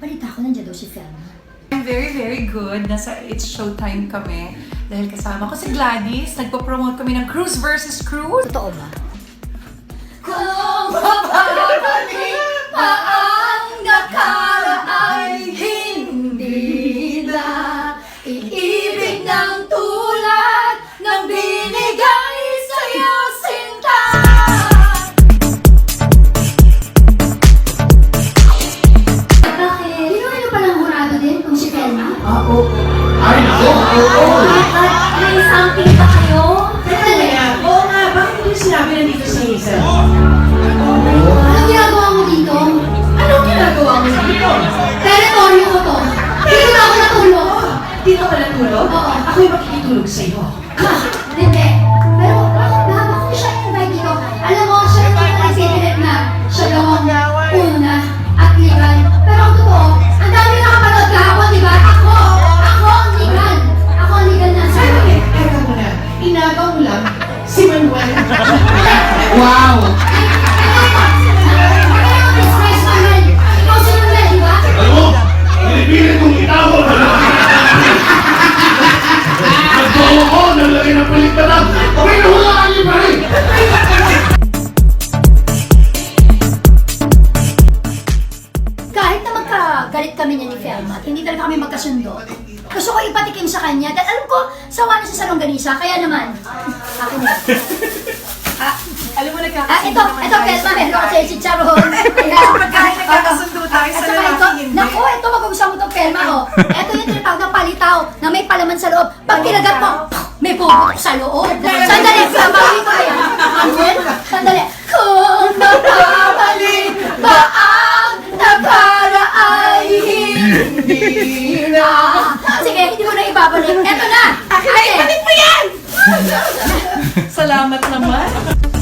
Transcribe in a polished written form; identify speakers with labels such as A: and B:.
A: balita ko nandiyan daw si Felma.
B: I'm very good. Nasa It's Showtime kami. Dahil kasama ko si Gladys. Nagpo-promote kami ng Cruise versus Cruise.
A: Totoo ba? Kung mapapalik pa ang nakaraan, hindi na iibig ng tulad ng binigay sa'yo, sinta. Bakit? Inuwi palang murado din kung si Felma?
C: Oo. Ay, oo.
A: At may something pa kayo?
C: Oo nga, bakit hindi sinabi nandito si Hazel?
A: Anong ginagawa mo dito?
C: Anong ginagawa mo dito?
A: Teritoryo ko to. Dito na ako natulog.
C: Dito ka natulog?
A: Oo.
C: Ako'y makikitulog sa'yo.
A: Hindi. Pero bakit ko siya invite dito? Alam mo, siya yung nagsipilit na siya daw ang una at legal. Pero ang totoo, ang dami nakapanood kahapon, di ba? Ako ang legal. Ako ang legal na
C: Ay,
A: sa'yo.
C: teka muna. Inagaw mo lang si Manuel. Wow!
A: Ikaw si Manuel, di ba?
D: Ano? Pinipilit kong itawag! Nagbawa ko, nalagay ng paligtaran! Pinuhulaan niyo pa rin!
A: Kahit na magkagalit kami niya ni Felma at hindi talaga kami magkasundo, gusto ko ipatikim sa kanya dahil alam ko, sawa na sa salongganisa, kaya naman, akin na.
B: Alam mo,
A: Ito,
B: nagkakasundo naman
A: Felma, meron ako sa'yo si Charon. Kaya,
B: Pagkain nagkakasundo tayo sa
A: At saka
B: lalaki,
A: ito,
B: hindi.
A: naku, ito magugustuhan mo itong Felma, oh. Ito yung tinatawag ng palitaw na may palaman sa loob. Pag kinagat mo, may puputok sa loob. Sandali, babawin ko yan. Manuel, sandali. Kung napabalik ba ang nakaraan, hindi na. Sige, hindi mo na ibabalik. Eto na.
B: Akin na, ibalik mo yan! Salamat naman.